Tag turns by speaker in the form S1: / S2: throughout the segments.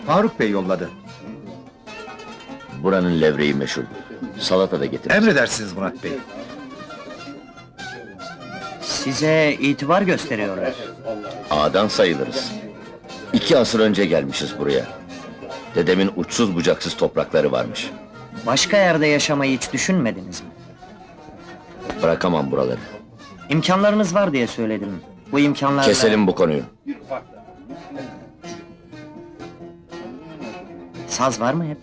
S1: Faruk Bey yolladı.
S2: Buranın levreği meşhur. Salata da getir.
S1: Emredersiniz Murat Bey.
S3: Size itibar gösteriyorlar.
S2: Ağadan sayılırız. 2 asır önce gelmişiz buraya. Dedemin uçsuz bucaksız toprakları varmış.
S3: Başka yerde yaşamayı hiç düşünmediniz mi?
S2: Bırakamam buraları.
S3: İmkanlarınız var diye söyledim. Bu imkanlarla...
S2: Keselim bu konuyu.
S3: Saz var mı hep?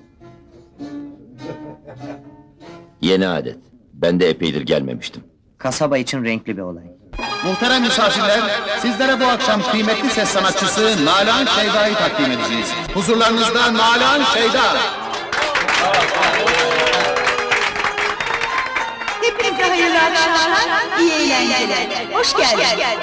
S2: Yeni adet. Ben de epeydir gelmemiştim.
S3: Kasaba için renkli bir olay.
S4: Muhterem misafirler, sizlere bu akşam kıymetli ses sanatçısı Nalan Şeyda'yı takdim edeceğiz. Huzurlarınızda Nalan Şeyda.
S5: Hepinize hayırlı akşamlar, iyi eğlenceler. Hoş geldin.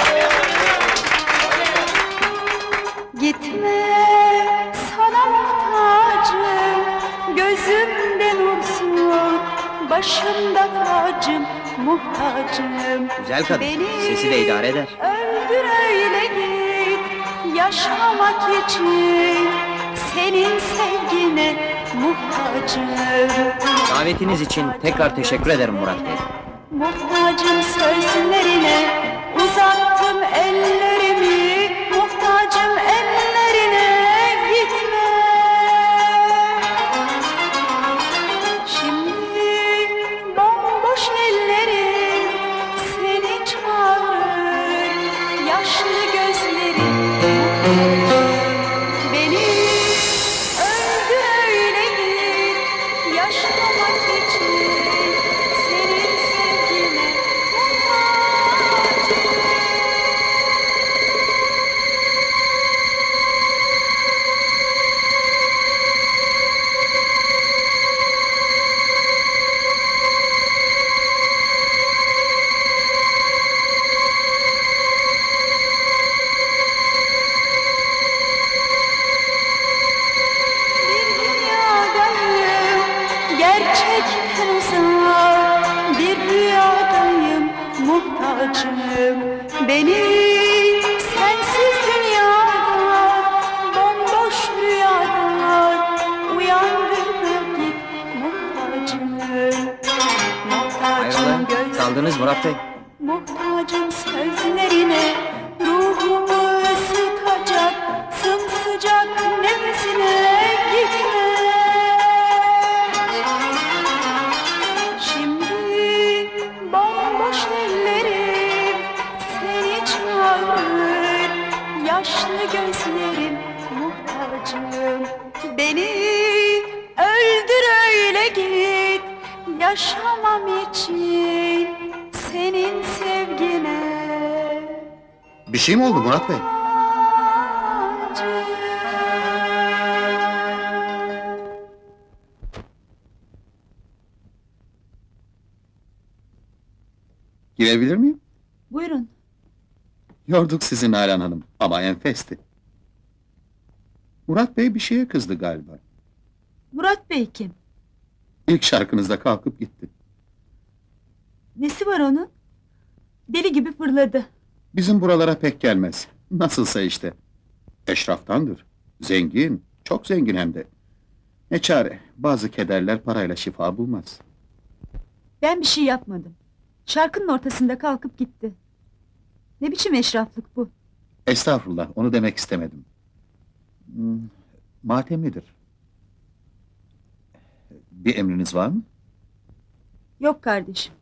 S5: Gitme, sana muhtacım, gözümde nursun, başımda tacım, muhtacım.
S3: Güzel kadın,
S5: Beni
S3: sesi de idare eder.
S5: öldür öyle git, yaşamak için, senin sevgine muhtacım.
S3: Davetiniz için tekrar teşekkür ederim Murat Bey.
S5: Muhtacım sözlerine, uzattım ellerimi, muhtacım ellerine, gitme. Şimdi bomboş ellerim seni çağırır, yaşlı gözlerim beni öldür öyle git, yaşamak için. Senin sevgine muhtacım. Bir dünyadayım, gerçekten uzak, bir rüyadayım, muhtacım. Beni sensiz dünyada, bomboş rüyada, uyandır da git, muhtacım. Muhtacım
S3: Hayrola,
S5: göz,
S3: kaldınız Murat Bey.
S5: muhtacım sözlerine, ruhumu ısıtacak, sımsıcak nefesine, gitme. Şimdi bomboş ellerim seni çağırır, yaşlı gözlerim muhtacım. Beni öldür öyle git, yaşamam için senin sevgine.
S4: Bir şey mi oldu Murat Bey?
S5: muhtacım.
S4: Girebilir miyim?
S5: Buyurun.
S4: Yorduk sizi Nalan Hanım ama enfesti. Murat Bey bir şeye kızdı galiba.
S5: Murat Bey kim?
S4: İlk şarkınızda kalkıp gitti.
S5: Nesi var onun? Deli gibi fırladı.
S4: Bizim buralara pek gelmez. Nasılsa işte. Eşraftandır. Zengin, çok zengin hem de. Ne çare, bazı kederler parayla şifa bulmaz.
S5: Ben bir şey yapmadım. Şarkının ortasında kalkıp gitti. Ne biçim eşraflık bu?
S4: Estağfurullah, onu demek istemedim. Matemlidir. Bir emriniz var mı?
S5: Yok kardeşim.